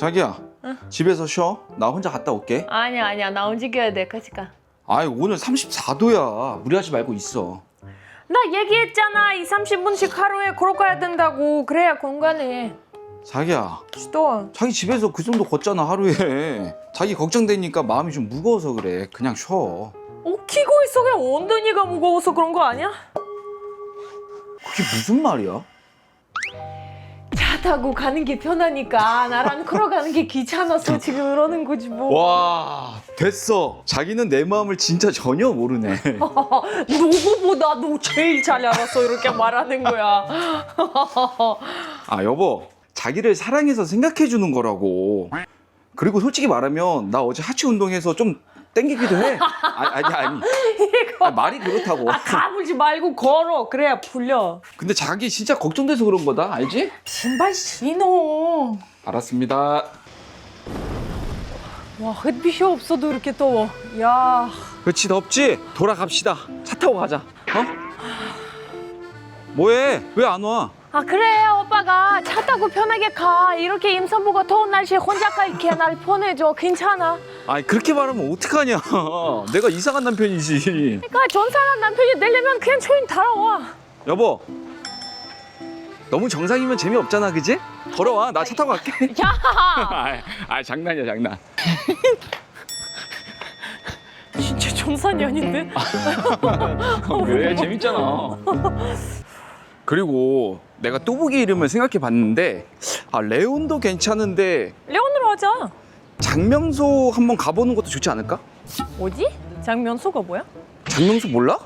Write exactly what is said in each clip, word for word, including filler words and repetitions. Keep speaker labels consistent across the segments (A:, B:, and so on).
A: 자기야,
B: 응?
A: 집에서 쉬어. 나 혼자 갔다 올게.
B: 아니야 아니야 나 움직여야 돼. 같이 가.
A: 아이, 오늘 삼십사 도야. 무리하지 말고 있어.
B: 나 얘기했잖아. 이 삼십 분씩 하루에 걸어가야 된다고. 그래야 건강해.
A: 자기야,
B: 또
A: 자기 집에서 그 정도 걷잖아 하루에. 자기 걱정되니까 마음이 좀 무거워서 그래. 그냥 쉬어.
B: 웃기고 있어. 그냥 엉덩이가 무거워서 그런 거 아니야?
A: 그게 무슨 말이야?
B: 차 타고 가는 게 편하니까 나랑 걸어가는 게 귀찮아서 지금 이러는 거지 뭐.
A: 와, 됐어. 자기는 내 마음을 진짜 전혀 모르네.
B: 누구보다 너 제일 잘 알았어. 이렇게 말하는 거야.
A: 아, 여보. 자기를 사랑해서 생각해 주는 거라고. 그리고 솔직히 말하면 나 어제 하체 운동해서 좀 땡기기도 해. 아니, 아니, 아니.
B: 이거
A: 아, 말이 그렇다고.
B: 아, 까불지 말고 걸어. 그래야 풀려.
A: 근데 자기 진짜 걱정돼서 그런 거다. 알지?
B: 신발 신어.
A: 알았습니다.
B: 와, 햇빛이 없어도 이렇게 더워. 야.
A: 그렇지, 덥지? 돌아갑시다. 차 타고 가자. 어? 뭐해? 왜 안 와?
B: 아, 그래. 오빠가 차 타고 편하게 가. 이렇게 임산부가 더운 날씨에 혼자 가 이렇게 날 보내줘. 괜찮아.
A: 아니, 그렇게 말하면 어떡하냐. 내가 이상한 남편이지.
B: 그러니까 전사한 남편이 되려면 그냥 초인 따라와.
A: 여보, 너무 정상이면 재미없잖아, 그지? 걸어와. 나 차 타고 갈게.
B: 야.
A: 아, 아, 장난이야, 장난.
B: 진짜 전산이 아닌데?
A: 왜? 재밌잖아. 그리고 내가 뚜벅이 이름을 생각해 봤는데, 아, 레온도 괜찮은데
B: 레온으로 하자.
A: 장명소 한번 가보는 것도 좋지 않을까?
B: 뭐지? 장면소가 뭐야?
A: 장명소 몰라?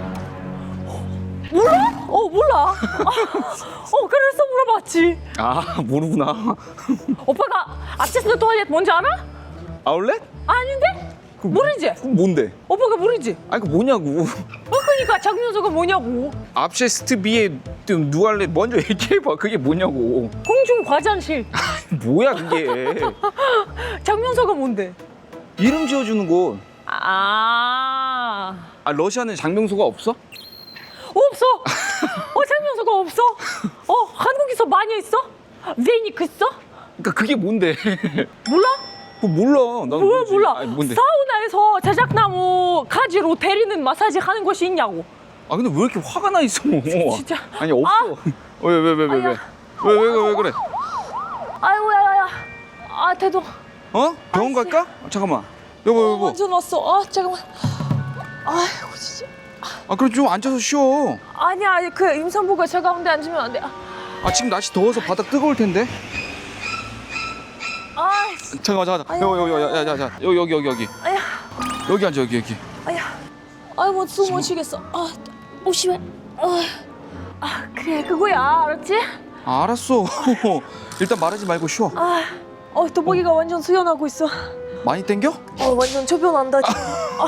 B: 몰라? 어, 몰라. 어, 그래서 물어봤지.
A: 아, 모르구나.
B: 오빠가 아치스 토일렛 뭔지 알아?
A: 아울렛?
B: 아닌데? 모르지?
A: 그럼 뭔데?
B: 오빠가 모르지?
A: 아니, 그 뭐냐고.
B: 어, 그러니까 장면소가 뭐냐고.
A: 압셰스트 비에 누알렛 먼저 얘기해봐. 그게 뭐냐고.
B: 공중 화장실.
A: 뭐야, 그게.
B: 장면소가 뭔데?
A: 이름 지어주는 곳.
B: 아,
A: 아, 러시아는 장명소가 없어?
B: 없어. 어, 장면소가 없어. 어, 한국에서 많이 있어? 베니크 있어?
A: 그러니까 그게 뭔데?
B: 몰라?
A: 그거 몰라. 난
B: 뭐
A: 모르지.
B: 몰라.
A: 아니, 뭔데?
B: 사우나에서 자작나무 가지로 때리는 마사지 하는 곳이 있냐고.
A: 아, 근데 왜 이렇게 화가 나 있어?
B: 진짜.
A: 아니, 없어. 왜, 왜, 왜, 왜, 왜?
B: 아야.
A: 왜, 왜, 왜, 왜 그래?
B: 아이고, 야야야. 아, 대도.
A: 어? 병원
B: 아이씨.
A: 갈까? 아, 잠깐만. 여보,
B: 어,
A: 여보.
B: 완전 왔어. 아, 잠깐만. 아이고, 진짜.
A: 아, 그래, 좀 앉아서 쉬어.
B: 아니야, 그 임산부가 저 가운데 앉으면 안 돼. 아,
A: 아, 지금 날씨 더워서 바닥 뜨거울 텐데.
B: 아이씨.
A: 잠깐만, 잠깐만.
B: 아야.
A: 여기, 여기, 여기, 여기, 여기, 여기, 여기, 여기.
B: 아야,
A: 여기 앉아, 여기, 여기.
B: 아야. 아이고, 숨 못 쉬겠어. 아, 오, 심해. 아, 아, 그래, 그거야. 알았지?
A: 아, 알았어. 일단 말하지 말고 쉬어.
B: 아, 어, 도복이가 완전 수연하고 있어.
A: 많이 땡겨?
B: 어, 완전 초변한다, 지금.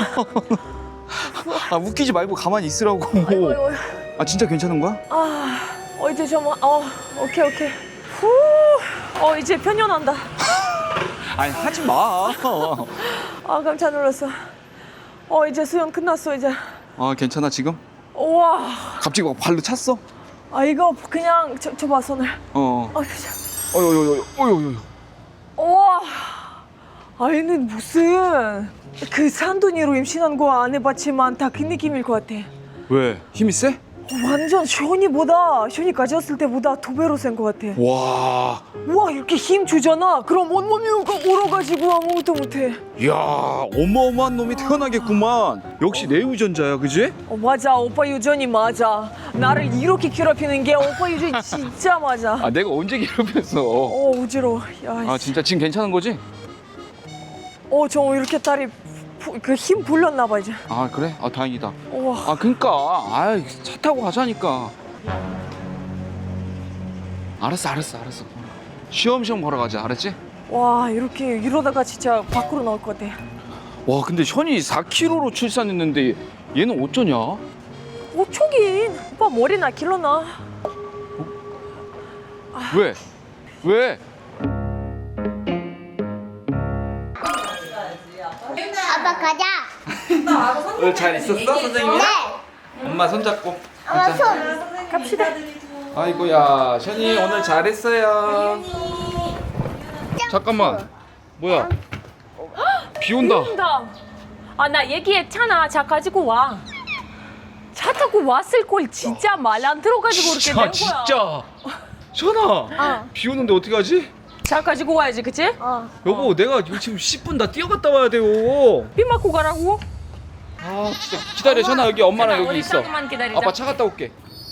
A: 아, 웃기지 말고 가만히 있으라고.
B: 아이고, 아이고.
A: 아, 진짜 괜찮은 거야?
B: 아, 어, 이제 좀, 어, 오케이, 오케이. 후, 어, 이제 편연한다.
A: 아니, 하지 마.
B: 아, 깜짝 놀랐어. 어, 이제 수연 끝났어, 이제.
A: 아, 괜찮아, 지금?
B: 우와.
A: 갑자기 막 발로 찼어?
B: 아, 이거 그냥 저, 저 봐, 손을.
A: 어.
B: 아, 진짜.
A: 어여여여, 어여여여.
B: 우와. 아이는 무슨 그 산둥이로 임신한 거 안 해봤지만 다 그 느낌일 것 같아.
A: 왜? 힘이 세?
B: 어, 완전 쇼니보다 쇼니 가졌을 때보다 두 배로 센 것 같아.
A: 와.
B: 우와, 이렇게 힘 주잖아. 그럼 온몸이 얼어가지고 아무것도 못해.
A: 이야, 어마어마한 놈이 태어나겠구만. 역시 내 유전자야, 그지?
B: 어, 맞아, 오빠 유전이 맞아. 나를 이렇게 괴롭히는 게 오빠 유전이 진짜 맞아.
A: 아, 내가 언제 괴롭혔어?
B: 어, 어지러워. 야,
A: 아, 진짜 지금 괜찮은 거지?
B: 어, 저 이렇게 다리 그 힘 불렸나 봐 이제.
A: 아, 그래? 아, 다행이다.
B: 우와.
A: 아, 그니까. 아, 차 타고 가자니까. 알았어, 알았어, 알았어. 쉬엄쉬엄 걸어가자, 알았지?
B: 와, 이렇게 이러다가 진짜 밖으로 나올 것 같아.
A: 와, 근데 현이 사 킬로그램로 출산했는데 얘는 어쩌냐?
B: 어쩌긴. 오빠 머리나 길러놔.
A: 왜? 왜?
C: 아빠 가자.
A: 오늘 잘 있었어, 선생님이랑?
C: 네.
A: 엄마 손잡고.
C: 엄마 손.
B: 갑시다.
A: 아이고야, 션이 오늘 잘했어요.
C: 짱
A: 잠깐만. 뭐야? 비 온다.
B: 온다. 아, 나 얘기했잖아. 차 가지고 와. 차 타고 왔을 걸 진짜 말 안 들어가지고 그렇게 된 거야.
A: 진짜. 전화.
C: 어.
A: 비 오는데 어떻게 하지?
B: 차 가지고 와야지, 그치?
C: 어.
A: 여보, 내가 지금 십 분 다 뛰어갔다 와야 돼요.
B: 비 맞고 가라고?
A: 아, 진짜. 기다려, 전화 여기 엄마랑 여기
B: 우리
A: 있어.
B: 조금만 기다리자.
A: 아빠 차 갔다 올게.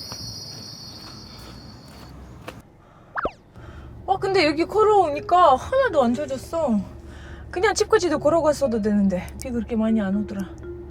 B: 어, 근데 여기 걸어오니까 하나도 안 젖었어. 그냥 집까지도 걸어갔어도 되는데 비 그렇게 많이 안 오더라.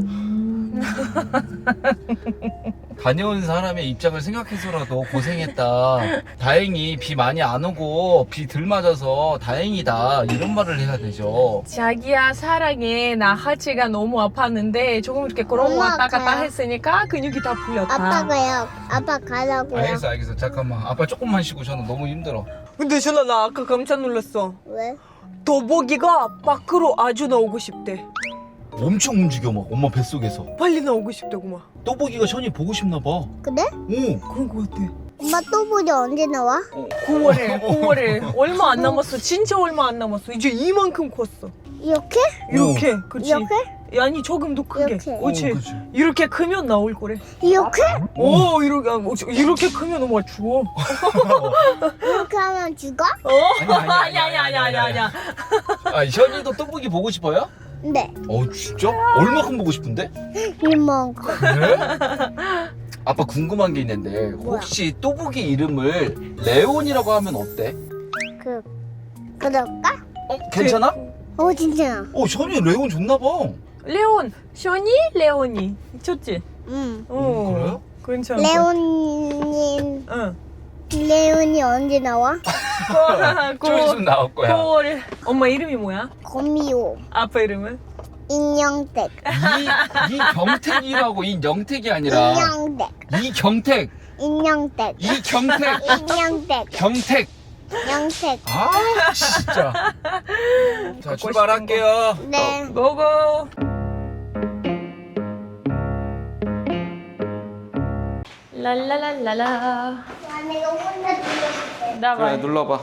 D: 다녀온 사람의 입장을 생각해서라도 고생했다. 다행히 비 많이 안 오고 비 덜 맞아서 다행이다. 이런 말을 해야 되죠.
B: 자기야 사랑해. 나 하체가 너무 아팠는데 조금 이렇게 걸어
C: 엄마,
B: 왔다 갔다
C: 가요.
B: 했으니까 근육이 다 풀렸다.
C: 아빠가요. 아빠 가라고요.
D: 알겠어, 알겠어. 잠깐만. 아빠 조금만 쉬고 저는 너무 힘들어.
B: 근데 전화 나 아까 깜짝 놀랐어.
C: 왜?
B: 더보기가 밖으로 아주 나오고 싶대.
D: 엄청 움직여 막 엄마 뱃속에서.
B: 빨리 나오고 싶다고 막.
D: 또보기가 션이 보고 싶나 봐.
C: 그래?
D: 오.
B: 그런 거 같아.
C: 엄마 또 보지 언제 나와?
B: 구월에 구월에 얼마 안 남았어. 진짜 얼마 안 남았어. 이제 이만큼 컸어.
C: 이렇게?
B: 이렇게. 그렇지.
C: 이렇게?
B: 아니 조금 더 크게.
C: 이렇게.
B: 그렇지.
D: 오, 그치.
B: 이렇게 크면 나올 거래.
C: 이렇게?
B: 오, 이렇게 아, 어, 저- 이렇게 크면 엄마 죽어.
C: 이렇게 하면 죽어?
B: 어?
D: 아니, 아니,
B: 아니 아니 아니 아니 아니.
D: 아, 션이도 또보기 보고 싶어요?
C: 네.
D: 어, 진짜? 얼마큼 보고 싶은데?
C: 이만큼.
D: 그래? 아빠 궁금한 게 있는데 혹시 또보기 이름을 레온이라고 하면 어때?
C: 그 그럴까?
D: 어, 괜찮아?
C: 어 진짜.
D: 어, 션이 레온 좋나 봐.
B: 레온, 션이 레온이 좋지?
C: 응.
B: 어.
D: 그래요?
B: 괜찮아.
C: 레온님
B: 응.
C: 레온이 언제 나와?
D: 좀 있으면 나올 거야.
B: 구월에. 엄마 이름이 뭐야?
C: 고미호.
B: 아빠 이름은?
C: 인형댁.
D: 이, 이경택이라고 이영택이 아니라
C: 인형댁.
D: 이경택
C: 인형댁.
D: 이경택
C: 인형댁.
D: 경택.
C: 영택.
D: 아 진짜. 자 출발할게요.
C: 네.
B: 고고. 랄랄랄랄라.
C: 야, 내가 혼자 들려줄게.
B: 나
A: 그래,
B: 봐.
A: 눌러봐.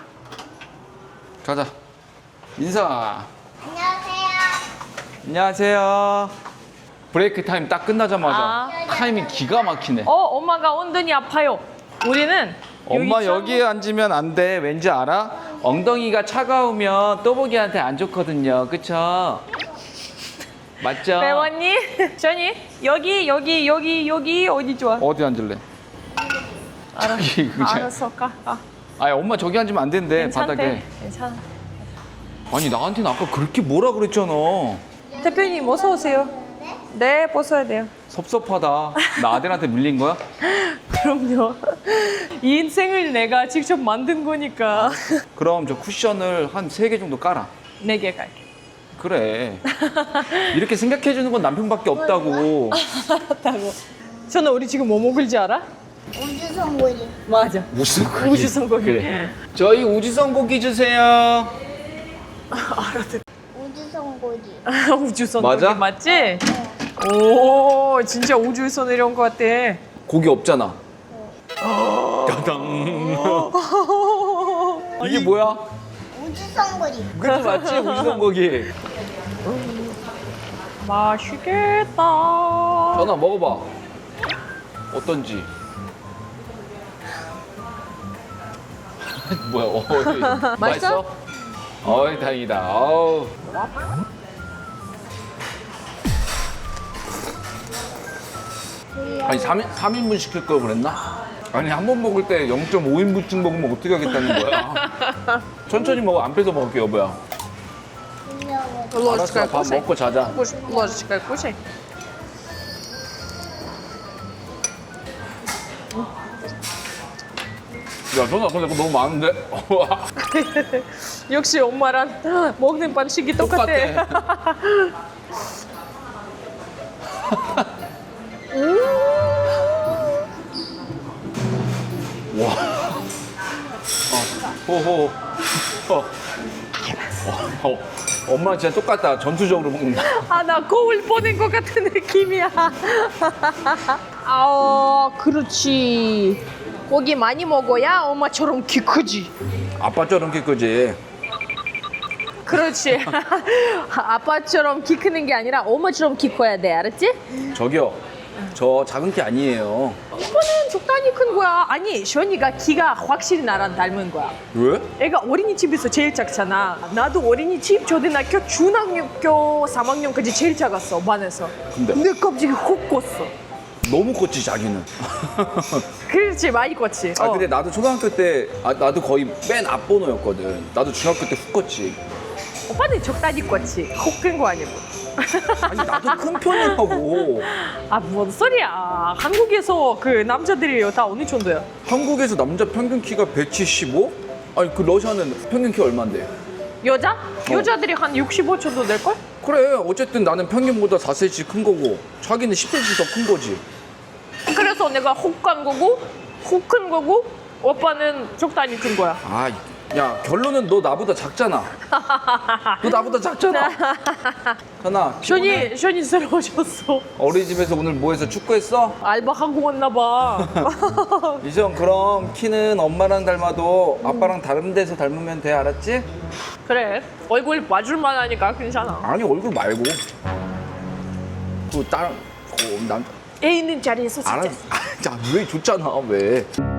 A: 가자. 인사.
C: 안녕하세요.
A: 안녕하세요. 브레이크 타임 딱 끝나자마자
B: 아.
A: 타이밍 기가 막히네.
B: 어, 엄마가 엉덩이 아파요. 우리는
A: 엄마
B: 여기
A: 여기에 앉으면 안 돼. 왠지 알아? 엉덩이가 차가우면 또보기한테 안 좋거든요. 그쵸? 맞죠?
B: 배웠니? 전이 여기 여기 여기 여기 어디 좋아?
A: 어디 앉을래?
B: 알았어.
A: 저기 그냥.
B: 알았어, 가. 아,
A: 아니 엄마 저기 앉으면 안 된대.
B: 괜찮대.
A: 바닥에.
B: 괜찮아.
A: 아니 나한테는 아까 그렇게 뭐라 그랬잖아.
B: 대표님 어서 오세요. 네, 벗어야 돼요.
A: 섭섭하다. 나 아들한테 밀린 거야?
B: 그럼요. 이 인생을 내가 직접 만든 거니까.
A: 그럼 저 쿠션을 한 세 개 정도 깔아.
B: 네 개 갈게.
A: 그래. 이렇게 생각해 주는 건 남편밖에 없다고.
B: 알았다고. 전화 우리 지금 뭐 먹을지 알아?
C: 우주선고리.
B: 맞아.
A: 무슨 고기?
B: 우주선고기.
A: 그래. 저희 우주선 고기 주세요.
B: 알았다.
C: 우주선고리.
B: 우주선
A: 맞아?
B: 고기 맞지? 오, 진짜 우주에서 내려온 것 같아.
A: 고기 없잖아. 따당. 이게 뭐야?
C: 우주선고리.
A: 그게 맞지? 우주선 고기.
B: 맛있겠다.
A: 전화 먹어봐. 어떤지. 뭐야? 어이, 맛있어? 어이 다행이다. 어우. 아니 삼 인분 시킬 걸 그랬나? 아니 한 번 먹을 때 영 점 오 인분씩 먹으면 어떻게 하겠다는 거야? 천천히 먹어. 안 뺏어 먹을게 여보야. 알았어. 밥 먹고 자자.
B: ложечкой кушай.
A: 야 전화 근데 그거 너무 많은데?
B: 역시 엄마랑 먹는 방식이 똑같아.
A: 똑같아. 와. 어, 호호. 어. 어, 어. 엄마랑 진짜 똑같다. 전투적으로 먹는다.
B: 아, 나 거울 보는 것 같은 느낌이야. 아, 그렇지. 고기 많이 먹어야 엄마처럼 키 크지.
A: 아빠처럼 키 크지.
B: 그렇지. 아빠처럼 키 크는 게 아니라 엄마처럼 키 커야 돼, 알았지?
A: 저기요. 저 작은 키 아니에요.
B: 오빠는 적당히 큰 거야. 아니, 시원이가 키가 확실히 나랑 닮은 거야.
A: 왜?
B: 애가 어린이집에서 제일 작잖아. 나도 어린이집, 초등학교, 중학교 삼 학년까지 제일 작았어, 반에서.
A: 근데?
B: 근데 갑자기 훅 컸어.
A: 너무 컸지 자기는.
B: 그렇지, 많이 컸지.
A: 아
B: 어.
A: 근데 나도 초등학교 때 아, 나도 거의 맨 앞번호였거든. 나도 중학교 때 훅 컸지.
B: 오빠는 적당히 컸지. 훅 큰 거 아니고.
A: 아니 나도 큰 편이라고.
B: 아, 뭔 소리야. 한국에서 그 남자들이 다 어느 정도야?
A: 한국에서 남자 평균 키가 백칠십오? 아니 그 러시아는 평균 키 얼마인데?
B: 여자? 여자들이 한 육십오 정도 될걸?
A: 그래 어쨌든 나는 평균보다 사 센티미터 큰 거고 자기는 십 센티미터 더 큰 거지.
B: 그래서 내가 훅 간 거고, 훅 큰 거고, 오빠는 적당히 큰 거야.
A: 아, 야 결론은 너 나보다 작잖아. 너 나보다 작잖아. 현아,
B: 시원이, 시원이 새로워졌어.
A: 어린이집에서 오늘 뭐 해서 축구했어?
B: 알바하고 왔나 봐.
A: 이정 그럼 키는 엄마랑 닮아도 아빠랑 다른 데서 닮으면 돼 알았지?
B: 그래, 얼굴 봐줄만 하니까 괜찮아.
A: 아니 얼굴 말고 그 다른 그 남.
B: 애 있는 자리에서 진짜.
A: 알았. 아, 왜 줬잖아 왜?